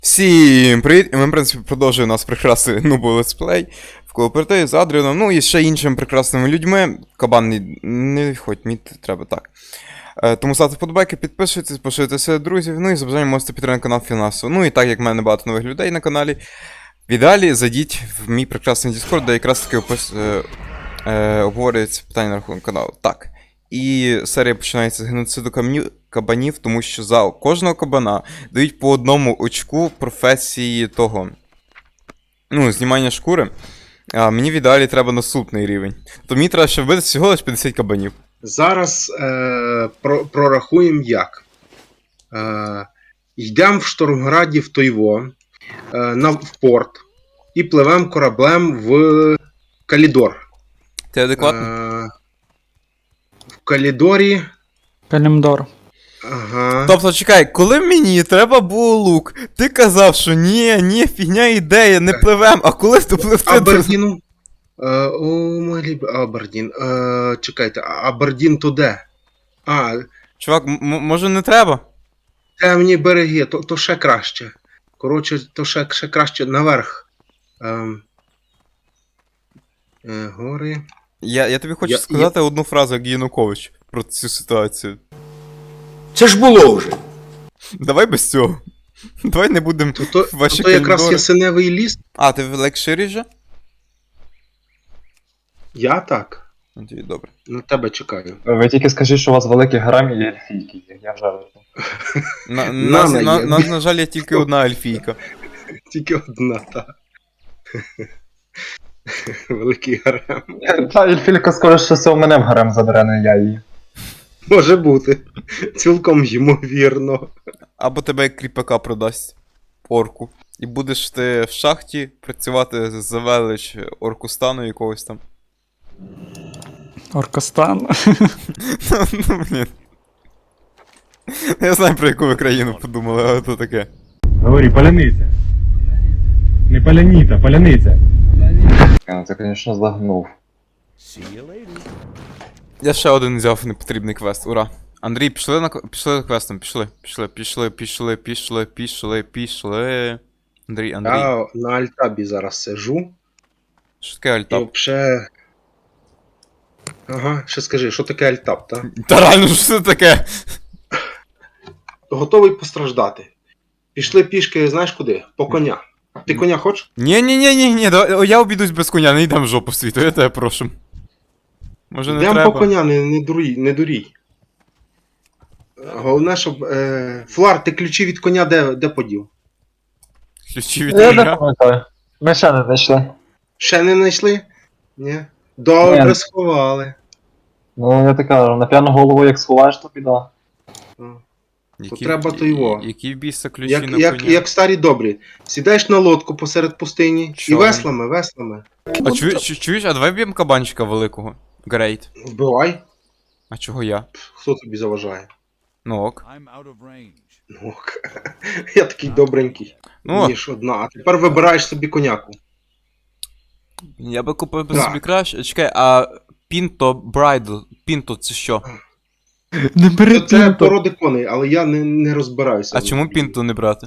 Всім привіт! І ми, в принципі, продовжуємо наш прекрасний нубо летсплей в кооперативі з Адріаном, ну і ще іншими прекрасними людьми. Кабан не відходь, мені треба так. Тому ставте вподобайки, підписуйтесь, поширюйте друзів, ну і за бажанням можете підтримати канал фінансово. Ну і так як в мене багато нових людей на каналі, в ідеалі зайдіть в мій прекрасний Discord, де якраз таки обговорюється питання на рахунок каналу. Так. І серія починається з геноциду кабанів, тому що за кожного кабана дають по одному очку професії того. Ну, знімання шкури. А мені в ідеалі треба наступний рівень. То мені треба ще вбити всього лише 50 кабанів. Зараз прорахуємо як. Йдемо в Штормграді в Тойво, в порт, і пливемо кораблем в Калідор. Ти адекватно? В Калідорі. Калімдор. Ага. Тобто, чекай, коли мені треба було лук, ти казав, що ні, фігня ідея, не пливем, а коли ти пливти... Абердіну. Абердін. Чекайте, Абердін то де? Чувак, може не треба? Темні береги, то ще краще. Коротше, то ще краще наверх. Гори. Я тобі хочу сказати одну фразу, як Янукович, про цю ситуацію. Це ж було вже. Давай без цього. Давай не будемо ваші То якраз коридори. ясеневий ліс. А, ти в лекширі же? Я так. Тоді добре. На тебе чекаю. Ви тільки скажіть, що у вас великий гарем і ельфійки є, я вже... На жаль, є тільки одна ельфійка. Тільки одна, так. Великий гарем. Та ельфійка скоро щось у мене в гарем забере, не я її. Може бути. Цілком ймовірно. Або тебе як кріпака продасть орку. І будеш ти в шахті працювати за велич Оркустану якогось там. Оркостан. Ну, блін. Я знаю, про яку ви країну подумали, але то таке. Говори, паляниця. Не паляніта, паляниця. Ти, звісно, злагнув. Я ще один взяв непотрібний квест, ура. Андрій, пішли за квестом, пішли. Андрій. Я на альтабі зараз сижу. Що таке І альтап? взагалі... Ага, ще скажи, що таке альтаб, так? Та реально, що це таке? Готовий постраждати. Пішли пішки, знаєш куди? По коня. Ти коня хочеш? Ні, я обійдусь без коня, не йдемо в жопу світу, я тебе прошу. Може не Йдемо треба? по коня, не дурій. Головне, щоб... Флар, ти ключі від коня де подів? Ключі від Я не коня? пам'ятаю. Ми ще не знайшли. Ще не знайшли? Ні. Добре, Ні. сховали. Ну, я так кажу, на п'яну голову як сховаєш, то біда. треба то його. Які в біса ключі на коня? Як старі добрі. Сідаєш на лодку посеред пустині Що? і веслами. А чуєш, а давай б'ємо кабанчика великого. Грейт. Вбивай. А чого я? Хто тобі заважає? Ну ок. Ну, ок. Я такий добренький. Ну, Ніж одна. А тепер вибираєш собі коняку. я би купив би Так. собі краще. Чекай, а Пінто Брайдл. Пінто це що? Не бери Це пінто. породи коней, але я не розбираюся. А чому Пінто не брати?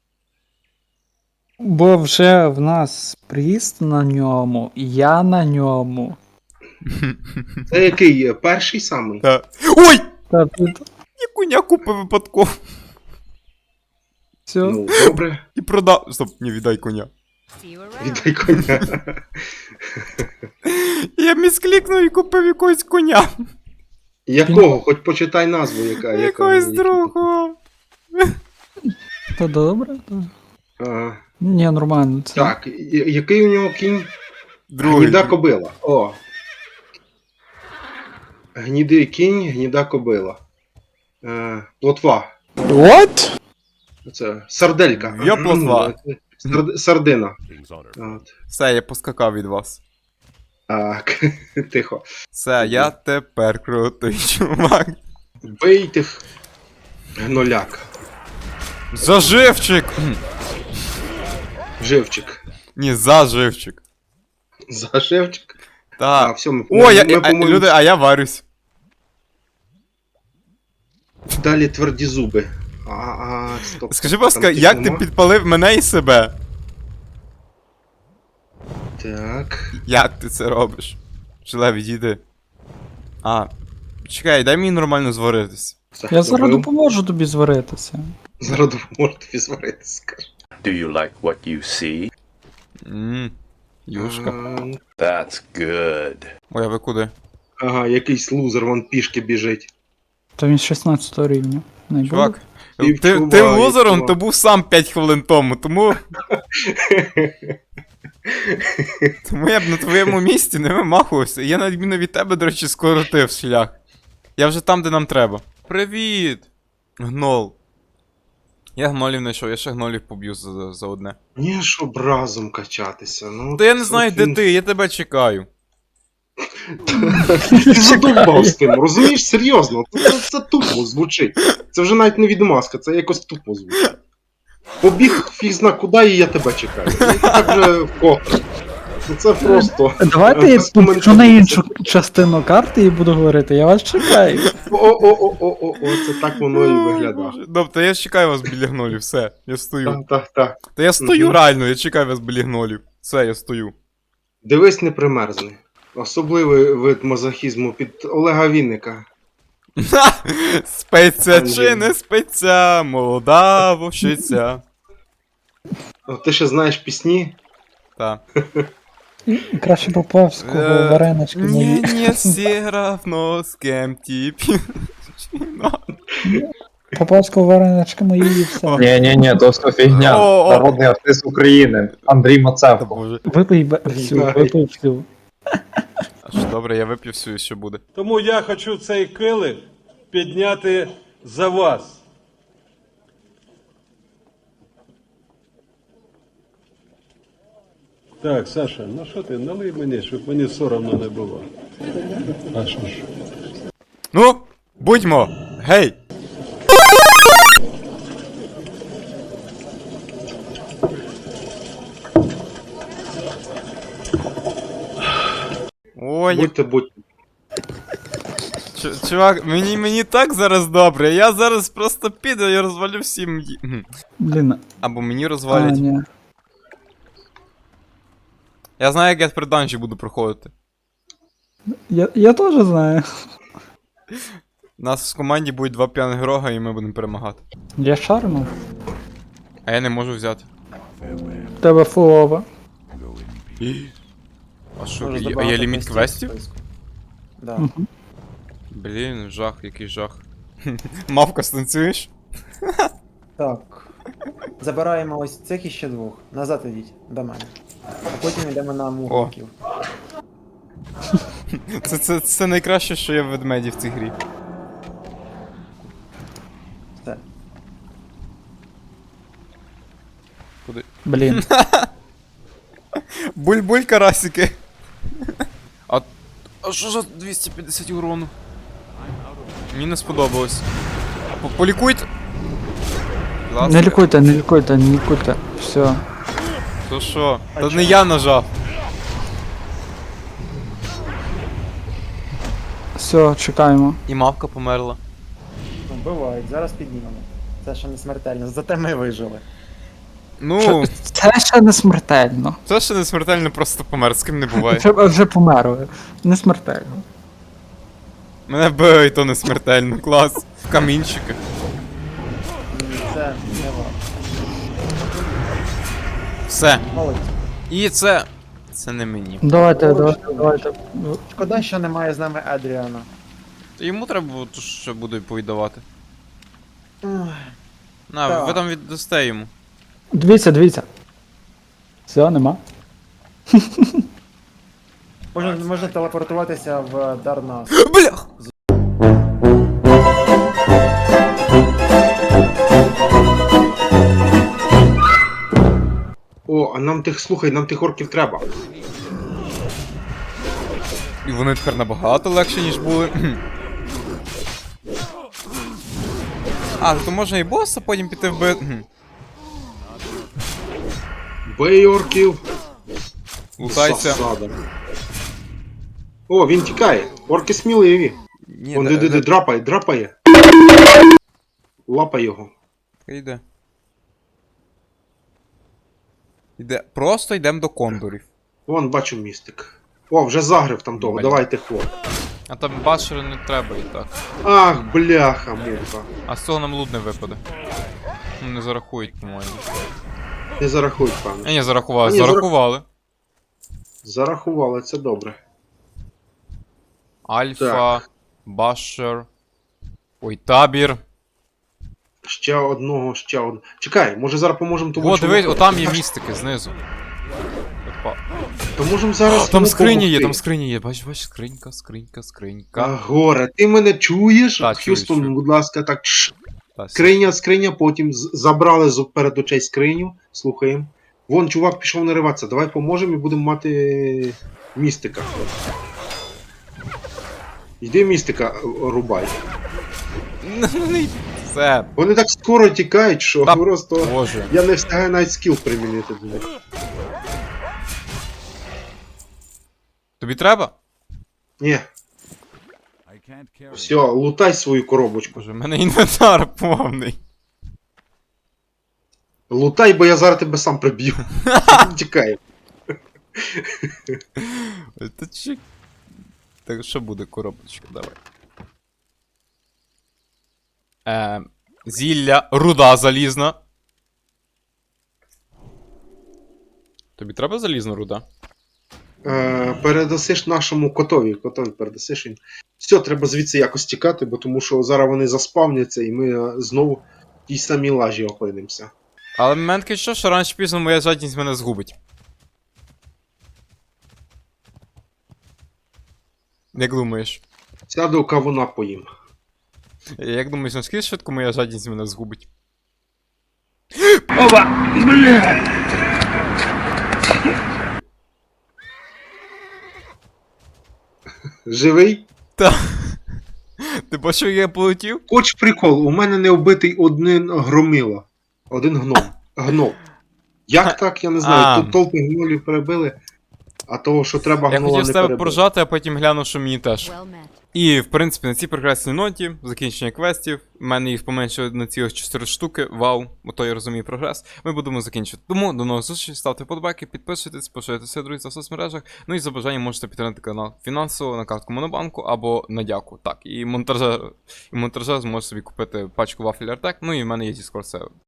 Бо вже в нас приїзд на ньому, я на ньому. Це який? Перший самий? Та. Ой! Та тут Я коня купив випадково. все. Ну, добре. І продав. Стоп, не віддай коня. Віддай коня. Я місклікнув і купив якогось коня. Якого? Хоч почитай назву, Якогось другого. Та добре. Та... Ага. Ні, нормально. Це... Так, який у нього кінь? Другий. Гніда кобила. О. Гнідий кінь, гніда кобила. Плотва. What? Це сарделька. Я плотва. Сардина. От. Все, я поскакав від вас. Так, тихо. Все, я тепер крутий чувак. Бий тих гноляк. Заживчик! Живчик. Ні, заживчик. Заживчик. Так. Все, ми, О, по-моєму, люди, а я варюсь. далі тверді зуби. Так, стоп. Скажи, будь ласка, Там тих як ти нема? підпалив мене і себе? Так. Як ти це робиш? Жиле, відійди. А, чекай, дай мені нормально зваритись. Все, Я зараз добив. допоможу тобі зваритися. Зараз допоможу тобі зварити, скажу. Do you like what you see? Юшка. That's good. Ой, а ви куди? Ага, якийсь лузер, вон пішки біжить. То він 16 рівня. Не буде? Чувак, І ти вчуваю, лузером, чувак. то був сам 5 хвилин тому, тому я б на твоєму місці не вимахувався. Я на відміну від тебе, до речі, скоротив шлях. Я вже там, де нам треба. Привіт! Гнол. Я гнолів знайшов, я ще гнолів поб'ю за одне. Ні, щоб разом качатися. Ну, Та я не знаю, от де він- ти, я тебе чекаю. Ти задовбав з тим, розумієш? Серйозно, це тупо звучить. Це вже навіть не відмазка, це якось тупо звучить. Побіг фіг зна куди, і я тебе чекаю. Ну, так вже вкотре. Ну, це просто. Давайте я без коментарів. піду на іншу частину карти і буду говорити, я вас чекаю. О, це так воно і виглядає. Тобто я чекаю вас біля гнолів, все, я стою. Так. Та я стою Мгм. реально, я чекаю вас біля гнолів. Все, я стою. Дивись, не примерзни. Особливий вид мазохізму під Олега Вінника. Спиться чи не спиться, молода вовчиця. О, ти ще знаєш пісні? Та. Краще Поповського варенички Не, мої. не все равно с кем тебе. Поповського варенички мої і все. Ні, то все фігня. О. Народний артист України Андрій Та Мацевко. боже. Випий всю, випий всю. Аж добре, я вип'ю всю і що буде. Тому я хочу цей килих підняти за вас. Так, Саша, ну що ти, налий мені, щоб мені соромно не було. А що ж? Ну, будьмо! Гей! Ой, Будьте. чувак, мені так зараз добре. Я зараз просто піду і розвалю всім. Блін, Або мені а, розвалять. ні. Я знаю, як я тепер данжі буду проходити. Я теж знаю. У нас в команді будуть 2 п'яних грога і ми будемо перемагати. Я шарнув. А я не можу взяти. В тебе фулова. А що, є ліміт квестів? Да. Мгм. Блін, жах, який жах. Мавка, станцюєш? Так. Забираємо ось цих і ще двох. Назад ідіть до мене. А потім йдемо на мугників. Це найкраще, що є в ведмеді в цій грі. Все. Куди? Блін. Буль-буль, карасики. А що за 250 урону? Мені не сподобалось. Полікуйте. Будь ласка. Не лікуйте, не лікуйте, не лікуйте. Все. То що? Та не я нажав. Все, чекаємо. І мавка померла. Ну, бувають, зараз піднімемо. Це ще не смертельно, зате ми вижили. Ну, Це ще не смертельно. це ще не смертельно, просто помер, з ким не буває. Вже померли. Не смертельно. Мене били, і то не смертельно, клас. Камінчики. Це не важко. Все. Молодці. І це. Це не мені. Давайте. Шкода, що немає з нами Адріана. Йому треба було то, що буду повідавати. Ой, На, Так. ви там віддасте йому. Дивіться. Все, нема. Можна телепортуватися в Дарнас. Блях! О, а нам тих орків треба. І вони тепер набагато легші, ніж були. А, то можна і боса потім піти вбити. Бей орків. Лутайся. Засада. О, він тікає. Орки сміливі. Ні, Он драпає. Лапай його. Йде. Просто йдемо до кондорів. Вон, бачу містик. О, вже загрив там того, Блін. давайте хлоп. А там башери не треба і так. Ах, бляха, муха. А з цього нам лут не випаде. Ну, не зарахують, по-моєму. Не зарахують, певно. Ні, зарахували, А, ні, зарахували. Зарахували, це добре. Альфа, башер. Ой, табір. Ще одного, ще одного. Чекай, може зараз поможемо тому О, дивись, чуваку? отам є містики знизу. Опа. То можемо зараз. Там йому скриня є, помогти. там скриня є. Бач, скринька, скринька, скринька. А, горе, ти мене чуєш? Так, чую, Х'юстон, чую. будь ласка, так. Та, Скриня, потім забрали перед очей скриню, слухаємо. Вон, чувак пішов нариватися, давай поможемо і будемо мати містика. Йди містика рубай. Все, Вони так скоро тікають, що Та, просто боже. я не встигаю навіть скіл примінити до них. Тобі треба? Ні. Все, лутай свою коробочку. Боже, в мене інвентар повний. Лутай, бо я зараз тебе сам приб'ю. Тікай. Та чи... Так що буде коробочка, давай. Зілля, руда залізна. Тобі треба залізна руда? Передасиш нашому котові передасиш він. Все, треба звідси якось тікати, бо тому що зараз вони заспавняться і ми знову в тій самій лажі опинимося. Але момент таке, що рано чи пізно моя жадність мене згубить. Як думаєш? Сяду кавуна поїм. Як думаєш, наскільки швидко моя жадність мене згубить? Живий? Та. Ти бачив, як я полетів? Хоч прикол, у мене не вбитий один громила. Один гном. Гном. Як так, я не знаю. А. Тут толпи гнолів перебили, а того, що треба Я гнола хотів не з тебе перебили. поржати, а потім гляну, що мені теж. І, в принципі, на цій прекрасній ноті, закінчення квестів, в мене їх поменшило на цілих 4 штуки, вау, ото я розумію прогрес, ми будемо закінчувати. Тому до нових зустрічей, ставте вподобайки, підписуйтесь, поширюйте друзі в соцмережах, ну і за бажанням можете підтримати канал фінансово на картку Монобанку або на дяку. Так, і монтажер зможе собі купити пачку вафель Артек, ну і в мене є Discord сервер.